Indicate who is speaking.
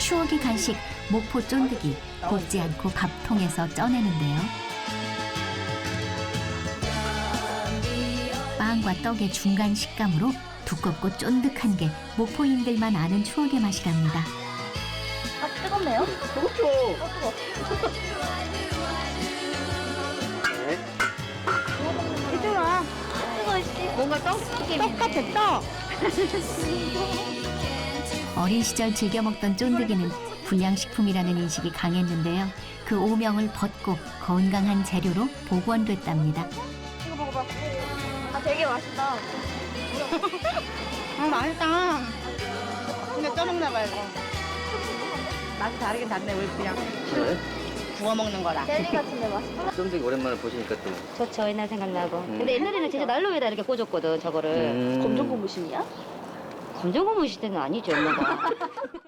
Speaker 1: 추억의 간식 목포 쫀득이 볶지 않고 밥통에서 쪄내는데요. 빵과 떡의 중간 식감으로 두껍고 쫀득한 게 목포인들만 아는 추억의 맛이랍니다.
Speaker 2: 아, 뜨겁네요?
Speaker 3: 뜨겁죠?
Speaker 2: 얘들아, 뭔가 떡 같아, 떡.
Speaker 1: 어린 시절 즐겨 먹던 쫀득이는 불량식품이라는 인식이 강했는데요. 그 오명을 벗고 건강한 재료로 복원됐답니다.
Speaker 2: 이거 먹어봐. 아, 되게 맛있다.
Speaker 4: 아, 맛있다. 근데 쪄먹나 봐, 이거. 맛이 다르긴 다르네, 우리 그냥
Speaker 3: 그래?
Speaker 4: 구워 먹는 거랑.
Speaker 2: 젤리 같은데 맛있다.
Speaker 3: 쫀득이 오랜만에 보시니까 또.
Speaker 5: 좋죠. 옛날 생각나고. 근데 옛날에는 진짜 난로에다 이렇게 꽂았거든, 저거를.
Speaker 2: 검정 고무신이야?
Speaker 5: 검정 고무 시대는 아니죠, 엄마가.